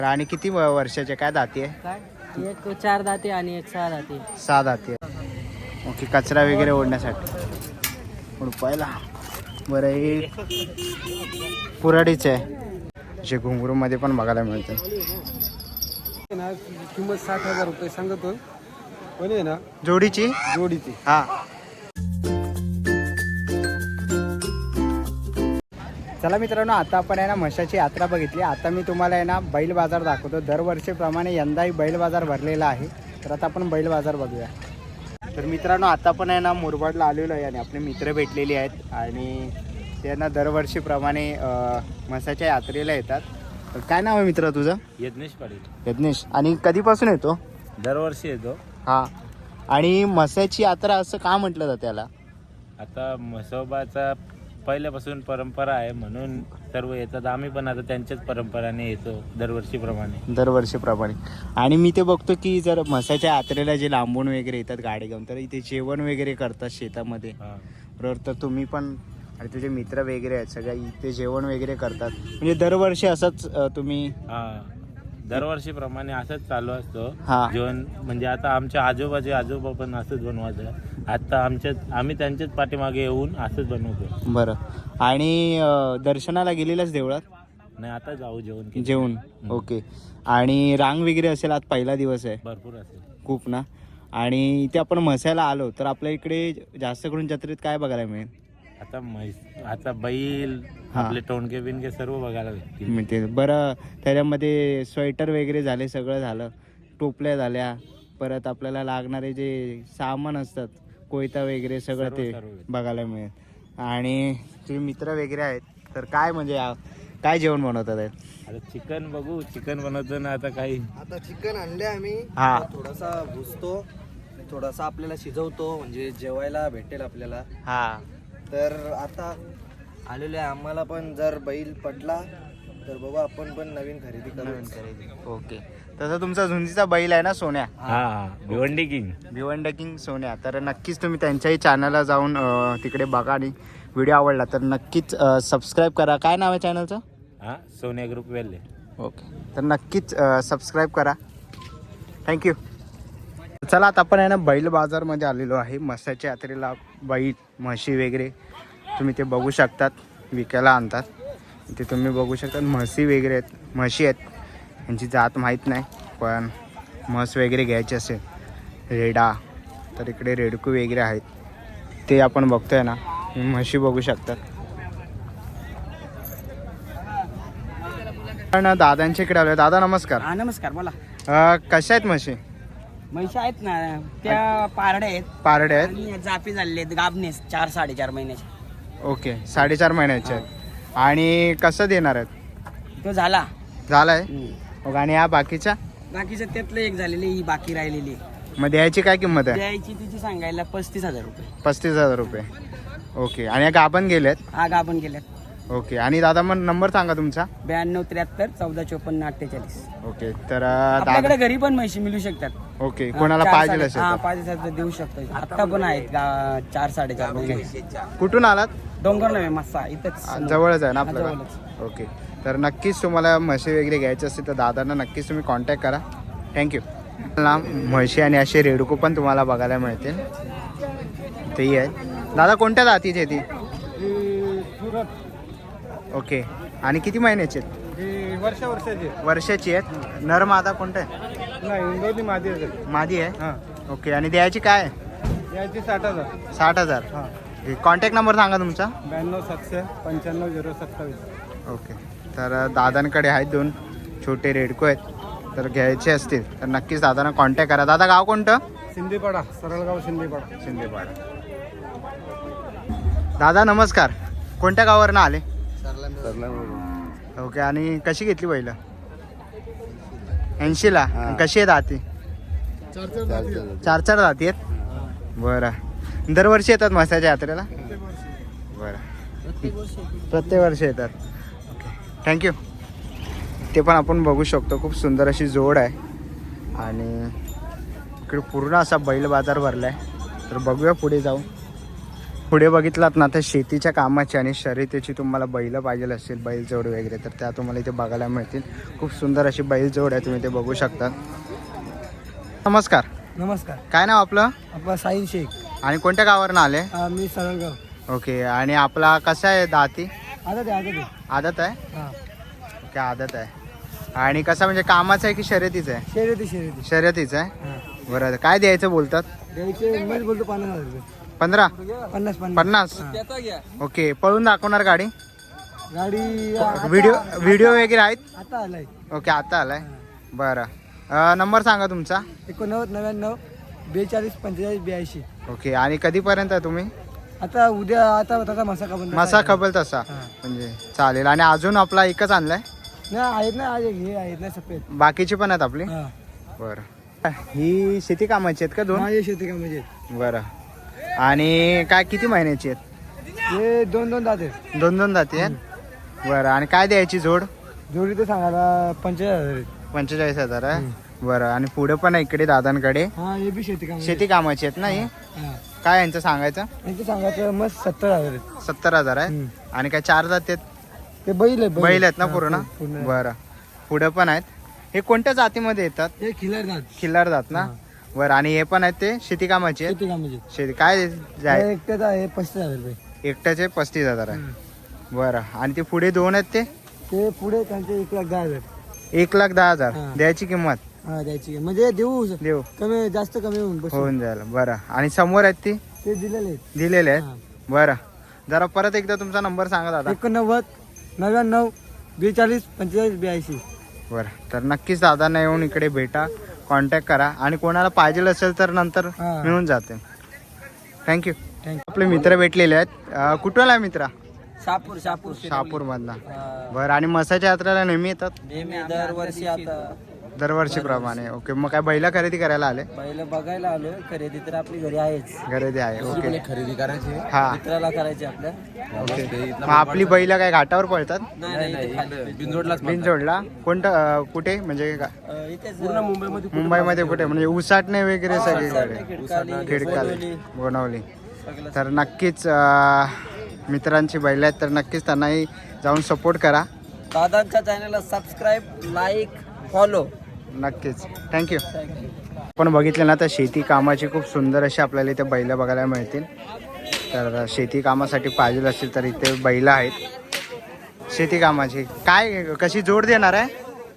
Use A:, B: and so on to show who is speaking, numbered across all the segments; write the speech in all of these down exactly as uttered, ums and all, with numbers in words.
A: आणि किती व- वर्षाचे काय दाती आहे?
B: काय एक चार दाते आणि एक सहा दाते.
A: सहा दाती आहे. ओके, कचरा वगैरे ओढण्यासाठी उडपायला. बरं, हे कुऱ्हाडीचे आहे जे घुंगरूमध्ये पण बघायला मिळतं.
C: किंमत साठ हजार रुपये सांगतो पण आहे ना
A: जोडीची
C: जोडीची.
A: हा. चला मित्रांनो, आता आपण आहे ना म्हशाची यात्रा बघितली. आता मी तुम्हाला आहे ना बैल बाजार दाखवतो. दरवर्षीप्रमाणे यंदाही बैल बाजार भरलेला आहे. तर आता आपण बैल बाजार बघूया. तर मित्रांनो, आता पण आहे ना मुरबाडला आलेलो आहे आणि आपले मित्र भेटलेले आहेत आणि त्यांना दरवर्षीप्रमाणे म्हसाच्या यात्रेला येतात. तर काय नाव आहे मित्र तुझं?
D: यज्ञेश पाटील.
A: यज्ञेश. आणि कधीपासून येतो?
D: दरवर्षी येतो.
A: हां. आणि म्हसाची यात्रा असं का म्हटलं जातं त्याला?
D: आता म्हसोबाचा पहिल्यापासून परंपरा आहे म्हणून सर्व येतात. आम्ही पण आता त्यांच्याच परंपराने येतो दरवर्षीप्रमाणे.
A: दरवर्षीप्रमाणे. आणि मी ते बघतो की जर म्हसाच्या यात्रेला जे लांबून वगैरे येतात गाडी घेऊन, तर इथे जेवण वगैरे करतात शेतामध्ये,
D: हां.
A: बरोबर? तर तुम्ही पण आणि तुझे मित्र वगैरे आहेत सगळ्या इथे जेवण वगैरे करतात म्हणजे दरवर्षी असंच अ, तुम्ही?
D: हां, दरवर्षीप्रमाणे असंच चालू असतो
A: हां.
D: जेवण. म्हणजे आता आमच्या आजोबाचे आजोबा पण असंच बनवायचं. आता आमच्या आम्ही त्यांच्याच पाठीमागे येऊन असंच बनवतो.
A: बरं. आणि अ, दर्शनाला गेलेलाच देवळात?
D: नाही, आता जाऊ जेवण केलं.
A: जेवण. ओके. आणि रांग वगैरे असेल, आज पहिला दिवस आहे?
D: भरपूर असेल.
A: खूप ना. आणि इथे आपण म्हसायला आलो तर आपल्या इकडे जास्त करून जत्रेत काय बघायला मिळेल?
D: आता म्हैस आता बैल
A: हां.
D: आपले टोणके बिनके सर्व बघायला भेटतील.
A: मिळते. बरं, त्याच्यामध्ये स्वेटर वगैरे झाले, सगळं झालं, टोपल्या झाल्या, परत आपल्याला लागणारे जे सामान असतात कोयता वगैरे सगळं
D: सर्व-
A: ते
D: सर्व.
A: बघायला मिळेल. आणि तुझे मित्र वगैरे आहेत तर काय म्हणजे आ- काय जेवण बनवतात आहेत?
D: आता चिकन बघू, चिकन बनवतो ना आता काही.
C: आता चिकन आणले आम्ही.
A: हा.
C: थोडासा भुसतो, थोडासा आपल्याला शिजवतो म्हणजे जेवायला भेटेल आपल्याला.
A: हा.
C: तर आता आलेले आम्हाला पण जर बैल पडला तर बघू आपण पण नवीन खरेदी करू.
A: ओके. तसं तुमचा झुंजीचा बैल आहे ना सोन्या?
D: हा हा भिवंडी किंग.
A: भिवंडी किंग सोन्या. तर नक्कीच तुम्ही त्यांच्याही चॅनलला जाऊन अ, तिकडे बघा आणि व्हिडिओ आवडला तर नक्कीच सबस्क्राईब करा. काय नाव आहे चॅनलचं?
D: हा, सोन्या ग्रुप वेल्ले.
A: ओके. तर नक्कीच सबस्क्राईब करा. थँक्यू. चला, आता आपण आहे ना बैल बाजारमध्ये आलेलो आहे. म्हसाच्या यात्रेला बैल म्हशी वगैरे तुम्ही ते बघू शकतात, विकायला आणतात. इथे तुम्ही बघू शकता म्हशी वगैरे आहेत, म्हशी आहेत. यांची जात माहीत नाही, पण म्हस वगैरे घ्यायची असेल, रेडा, तर इकडे रेडकू वगैरे आहेत ते आपण बघतोय ना. म्हशी बघू शकतात. पण दादांच्या इकडे आलो. दादा नमस्कार.
B: हा नमस्कार, बोला.
A: अ, कशा आहेत म्हशी?
B: म्हशी आहेत ना, त्या पारड्या आहेत
A: पारडे आहेत.
B: आणि जापी झालेले आहेत गाबनेस, चार साडेचार महिन्याचे.
A: ओके, साडेचार महिन्याचे आहेत. आणि कसं देणार आहेत?
B: तो झाला.
A: झालाय.
B: हम्म.
A: ओके. आणि या बाकीच्या?
B: बाकीचं त्यातलं एक झालेली, ही बाकी राहिलेली.
A: मग द्यायची काय किंमत आहे?
B: द्यायची तिची सांगायला पस्तीस हजार रुपये.
A: पस्तीस हजार रुपये. ओके. आणि या गाभण गेलेत?
B: हा, गाभण गेल्यात.
A: ओके. आणि दादा मग नंबर सांगा तुमचा.
B: ब्याण्णव त्र्याहत्तर चौदा चोपन्न अठ्ठेचाळीस.
A: ओके. तर अ,
B: आपल्याकडे
A: दादा.
B: घरी पण म्हशी मिळू शकतात.
A: ओके.
B: हा,
A: कोणाला
B: चार
A: पाहिजे
B: साडे-
A: असेल
B: हा,
A: तर.
B: पाहिजे असेल तर देऊ शकतो. आता पण आहेत गा- चार साडेचार महिने.
A: कुठून आलात?
B: डोंगर नव्हे, मस्सा इथंच समोर.
A: जवळच आहे ना
B: हा,
A: आपल्याला?
B: जवळच.
A: ओके. तर नक्कीच तुम्हाला म्हशी वगैरे घ्यायची असतील तर दादांना नक्कीच तुम्ही कॉन्टॅक्ट करा. थँक्यू. म्हशी आणि असे रेडकू पण तुम्हाला बघायला मिळतील. तेही आहे. दादा कोणत्या जातीची आहे ती? ओके. आणि किती महिन्याची आहेत?
C: वर्षा वर्षाची
A: वर्षाची आहेत. नर मादा कोणतं आहे?
C: नाही, इंदोरी मादी असेल.
A: मादी आहे.
C: हां,
A: ओके. आणि द्यायची काय आहे?
C: याची साठ हजार.
A: साठ हजार.
C: हां,
A: कॉन्टॅक्ट नंबर सांगा तुमचा.
C: ब्याण्णव सातशे पंच्याण्णव झिरो सत्तावीस.
A: ओके. तर दादांकडे आहेत दोन छोटे रेडको आहेत. तर घ्यायचे असतील तर नक्कीच दादांना कॉन्टॅक्ट करा. दादा गाव कोणतं?
C: सिंदीपाडा, सरळगाव सिंदीपाडा.
A: शिंदेपाडा. दादा नमस्कार. कोणत्या गावावरनं आले? ओके. आणि कशी घेतली पहिलं? ऐंशीला. कशी आहेत दाती? चार चार दाती आहेत. बरं. दरवर्षी येतात म्हसाच्या यात्रेला? बरं. प्रत्येक वर्षी येतात. ओके. थँक्यू. ते पण आपण बघू शकतो, खूप सुंदर अशी जोड आहे. आणि इकडे पूर्ण असा बैल बाजार भरला आहे. तर बघूया पुढे जाऊ. पुढे बघितलात ना तर शेतीच्या कामाची आणि शर्यतीची तुम्हाला बैल पाहिजे असेल, बैलजोड वगैरे, तर त्या तुम्हाला इथे बघायला मिळतील. खूप सुंदर अशी बैलजोड आहे, तुम्ही ते बघू शकता. नमस्कार.
B: नमस्कार.
A: काय नाव आपलं?
B: आपला साईन शेख.
A: आणि कोणत्या गावावरून आले?
B: मी सरळगाव.
A: ओके. आणि आपला कसा आहे दाती?
B: आदत आहे आदत आहे.
A: आदत आहे.
B: हां.
A: ओके, आदत आहे. आणि कसा म्हणजे कामाचा आहे की शर्यतीचा आहे?
B: शर्यती शर्यती.
A: शर्यतीचा आहे.
B: हां.
A: बरं, काय द्यायचं बोलतात?
B: द्यायचे मी बोलतो पन्नास हजार रुपये.
A: पंधरा
B: पन्नास पन्नास.
A: पन्नास. ओके. पळून दाखवणार गाडी?
B: गाडी आता-
A: व्हिडिओ व्हिडिओ वगैरे आहेत?
B: आता आलाय.
A: ओके, आता आलाय. बरं. अं, नंबर सांगा तुमचा.
B: एकोणनव्वद नव्याण्णव बेचाळीस पंचेचाळीस ब्याऐंशी.
A: ओके. आणि कधीपर्यंत आहे तुम्ही?
B: आता उद्या आता त्याचा मसा का बंद
A: मसा खबल तसा
B: हां.
A: म्हणजे चालेल. आणि अजून आपला एकच आणलाय?
B: नाही आहेत ना, आज हे आहेत ना सफेद.
A: बाकीची पण आहेत आपली?
B: हां.
A: बरं. ही शेती कामाची आहेत का दोन?
B: माझे शेती का म्हणजे
A: बरं. आणि काय किती महिन्याची आहेत?
B: हे दोन दोन दाते
A: दोन दोन जाती आहेत. बरं. आणि काय द्यायची जोड?
B: जोडी तर सांगायला पंचेचाळीस हजार आहेत.
A: पंचेचाळीस हजार आहे. बरं. आणि पुढे पण आहे इकडे दादांकडे
B: हा हे बी शेती का
A: शेती कामाची आहेत ना ही?
B: हां.
A: काय यांचं सांगायचं?
B: यांचं सांगायचं मग सत्तर हजार आहेत.
A: सत्तर हजार आहे.
B: हम्म.
A: आणि काय चार जाती आहेत?
B: ते बैल आहे
A: बैल आहेत ना
B: हां,
A: पूर्ण?
B: पूर्ण.
A: बरं. पुढे पण आहेत. हे कोणत्या जातीमध्ये येतात?
B: हे खिलार दात
A: खिल्लार जात ना? बरं. आणि हे पण आहेत ते शेती कामाचे आहेत?
B: शेती का म्हणजे
A: शेती काय जाय-
B: एकट्याचा आहे पस्तीस हजार रुपये.
A: एकट्याचे पस्तीस हजार आहे.
B: हम्म.
A: बरं. आणि ते पुढे दोन आहेत ते?
B: ते पुढे त्यांचे एक लाख दहा हजार.
A: एक लाख दहा हजार
B: हां.
A: द्यायची किंमत?
B: हा द्यायची म्हणजे देऊ
A: देऊ
B: कमी जास्त कमी होऊन बस.
A: होऊन जाईल. बरं. आणि समोर आहेत ती
B: ते दिलेले आहेत.
A: दिलेले
B: हां.
A: आहेत? बरं. जरा परत एकदा तुमचा नंबर सांगा दादा.
B: एकोणनव्वद नव्याण्णव बेचाळीस पंचेचाळीस ब्याऐंशी.
A: बरं. तर नक्कीच दादांना येऊन इकडे भेटा, कॉन्टॅक्ट करा. आणि कोणाला पाहिजे असेल तर नंतर
B: हां.
A: मिळून जाते. थँक्यू.
B: थँक्यू.
A: आपले मित्र भेटलेले आहेत. अं, कुठून आहे मित्र?
B: शापूर शापूर
A: शहापूर मधला. बरं. आणि मसाच्या यात्रेला नेहमी येतात?
B: नेहमी दरवर्षी आता
A: दरवर्षीप्रमाणे. ओके. मग काय बैला खरेदी करायला आले?
B: पहिलं बघायला आलो. खरेदी तर आपली घरी आहेच.
A: खरेदी आहे. ओके.
B: खरेदी करायची
A: हा.
B: मित्राला करायची आपल्या.
A: ओके. मग आपली बैला काय घाटावर पळतात?
B: नाही बिंदोडला
A: बिनजोडला? कोणतं अं, कुठे म्हणजे का-
B: इथेच पूर्ण मुंबईमध्ये
A: मुंबईमध्ये कुठे म्हणजे उसाटणे वगैरे सगळीकडे? खिडकाले, बनवली. तर नक्कीच अं, मित्रांची बैल आहेत तर नक्कीच त्यांनाही जाऊन सपोर्ट करा.
B: दादांच्या चॅनलला सबस्क्राईब लाईक फॉलो.
A: नक्कीच. थँक्यू. आपण बघितलं ना तर शेती कामाची खूप सुंदर अशी आपल्याला इथे बैलं बघायला मिळतील. तर शेती कामासाठी पाहिजे असतील तर इथे बैलं आहेत शेती कामाची. काय कशी जोड देणार आहे?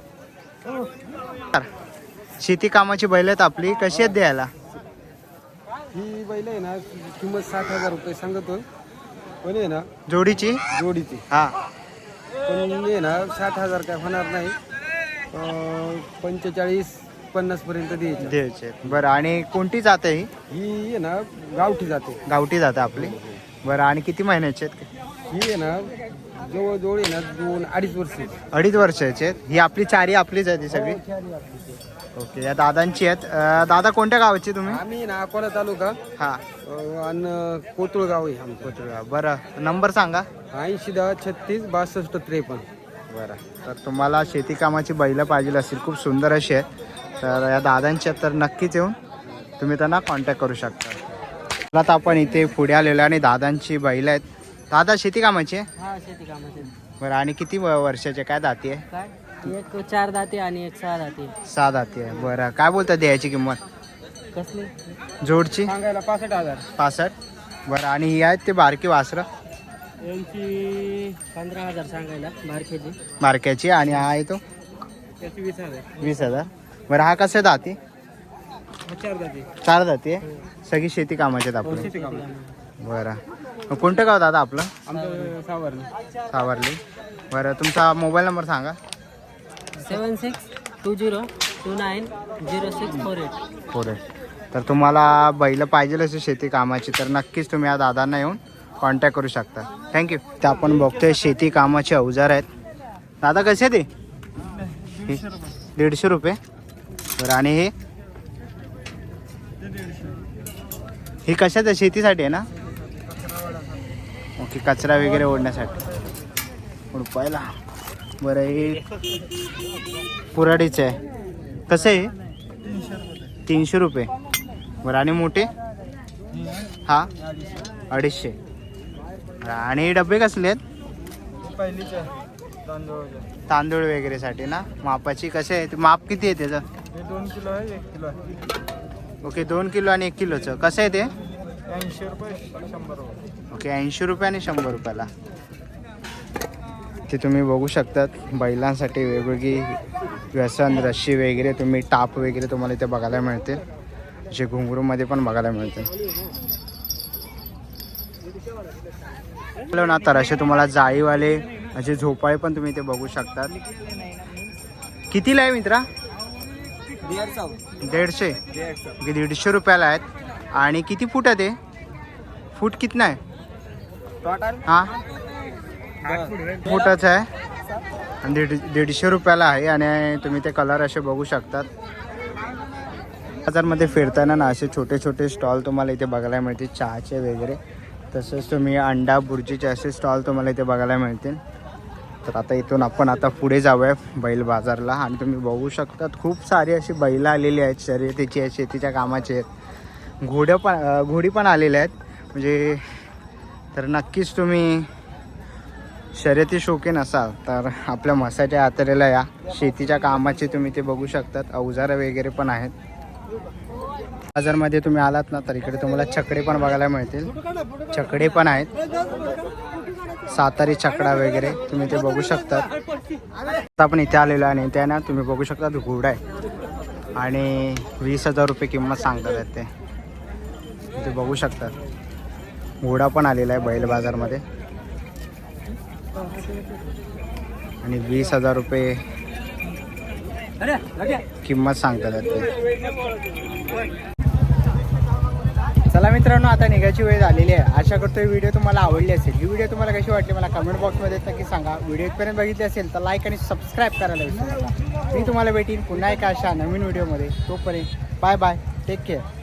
A: शेती कामाची बैल आहेत आपली, कशी आहेत द्यायला?
B: ही बैल आहे ना किंमत साठ हजार रुपये सांगतो पण आहे ना
A: जोडीची?
B: जोडीची.
A: हा.
B: पण आहे ना साठ हजार काय होणार नाही. पंचेचाळीस पन्नास पर्यंत द्यायची.
A: द्यायचे. बरं. आणि कोणती जात आहे ही?
B: ही आहे ना गावठी जाते.
A: गावठी जात आपली. बरं. आणि किती महिन्याचे आहेत?
B: ही आहे ना जवळजवळ आहे ना दोन अडीच वर्ष.
A: अडीच वर्षाचे आहेत. ही आपली चारी आपलीच आहे ती सगळी? ओके. या दादांची आहेत. अं, दादा कोणत्या गावाची तुम्ही?
B: आम्ही ना अकोला तालुका
A: हा.
B: आणि कोतुळ गाव आहे आमचं.
A: कोथरूड. बरं. नंबर सांगा.
B: ऐंशी दहा छत्तीस बासष्ट त्रेपन्न.
A: बरं. तर तुम्हाला शेती कामाची बैलं पाहिजे असतील, खूप सुंदर अशी आहेत, तर या दादांच्या तर नक्कीच येऊन तुम्ही त्यांना कॉन्टॅक्ट करू शकता. आता आपण इथे पुढे आलेलो आणि दादांची बैलं आहेत. दादा शेती कामाची आहे?
E: हा शेती कामाचे.
A: बरं. आणि किती व- वर्षाचे काय दाती आहे?
E: काय एक चार दाते आणि एक सहा दाते.
A: सहा दाती आहे. बरं. काय बोलतात द्यायची किंमत
E: कसली?
A: जोडची?
B: सांगायला पासष्ट हजार.
A: पासष्ट. बरं. आणि ही आहेत ते बारकी वासरं
E: यांची पंधरा हजार सांगायला बारकेची.
A: बारक्याची. आणि हा आहे तो
B: त्याची वीस हजार.
A: वीस हजार. बरं. हा कसं दाती?
B: चार जाते.
A: चार जाती आहे. सगळी शेती कामाची आहेत आपली. बरं. मग कोणतं गाव दादा आपलं?
B: आमचं सावरणी.
A: सावरली. बरं. तुमचा मोबाईल नंबर सांगा.
E: Seven six two zero two nine zero six four eight.
A: Four eight. तर तुम्हाला बैल पाहिजे असेल शेती कामाची तर नक्कीच तुम्ही या दादांना येऊन कॉन्टॅक्ट करू शकता. थँक्यू. ते आपण बघतोय शेती कामाचे अवजार आहेत. दादा कसे ते? दीडशे रुपये. बरं. आणि हे हे कशाचं आहे? शेतीसाठी आहे ना? ओके. कचरा वगैरे ओढण्यासाठी रुपयाला. बरं. हे पुराडीचं आहे. कसं आहे? तीनशे रुपये. बरं. आणि मोठे? हा अडीचशे. आणि डबे कसले आहेत?
B: पहिलीच्या तांदूळ
A: तांदूळ वगैरेसाठी ना, मापाची कसे आहे? माप किती आहे त्याचं?
B: हे दोन किलो आहे, एक किलो आहे.
A: ओके, दोन किलो आणि एक किलोचं कसं आहे ते?
B: ऐंशी रुपये शंभर रुपये.
A: ओके, ऐंशी रुपये आणि शंभर रुपयाला. ते तुम्ही बघू शकतात बैलांसाठी वेगवेगळी व्यसन, रस्सी वगैरे, तुम्ही टाप वगैरे तुम्हाला इथे बघायला मिळते, जे घुंगरूमध्ये पण बघायला मिळते. ना तर असे तुम्हाला जाळीवाले असे झोपाळे पण तुम्ही इथे बघू शकतात. कितीला आहे मित्रा? दीडशे. ओके, दीडशे रुपयाला आहेत. आणि किती फूट आहे ते? फूट कितना आहे? हां, फुटाचं आहे आणि दीड दीडशे रुपयाला आहे. आणि तुम्ही ते कलर असे बघू शकतात. बाजारमध्ये फिरताना ना असे छोटे छोटे स्टॉल तुम्हाला इथे बघायला मिळतील, चहाचे वगैरे. तसंच तुम्ही अंडा बुर्जीचे असे स्टॉल तुम्हाला इथे बघायला मिळतील. तर आता इथून आपण आता पुढे जाऊया बैल बाजारला. आणि तुम्ही बघू शकतात खूप सारी अशी बैलं आलेली आहेत, शर्यतीची आहेत, शेतीच्या कामाची आहेत, घोडं पण घोडी पण आलेल्या आहेत. म्हणजे तर नक्कीच तुम्ही शर्यती शौकीन असाल तर आपल्या म्हसाच्या यात्रेला या. शेतीच्या कामाचे तुम्ही ते बघू शकतात, अवजारं वगैरे पण आहेत. बाजारमध्ये तुम्ही आलात ना तर इकडे तुम्हाला छकडे पण बघायला मिळतील, छकडे पण आहेत, सातारी छकडा वगैरे तुम्ही ते बघू शकतात. आता आपण इथे आलेलो आहे आणि इथे ना तुम्ही बघू शकता घोडा आहे आणि वीस हजार रुपये किंमत सांगतात ते. इथे बघू शकतात घोडा पण आलेला आहे बैल बाजारमध्ये आणि वीस हजार रुपये किंमत सांगतात ते. चला मित्रांनो, आता निघायची वेळ झालेली आहे. आशा करतो ही व्हिडिओ तुम्हाला आवडली असेल. ही व्हिडिओ तुम्हाला कशी वाटली मला कमेंट बॉक्समध्ये नक्की सांगा. व्हिडिओ इथपर्यंत बघितली असेल तर लाईक आणि सबस्क्राईब करायला विसरू नका. मी तुम्हाला भेटीन पुन्हा एका अशा नवीन व्हिडिओमध्ये. तोपर्यंत बाय बाय, टेक केअर.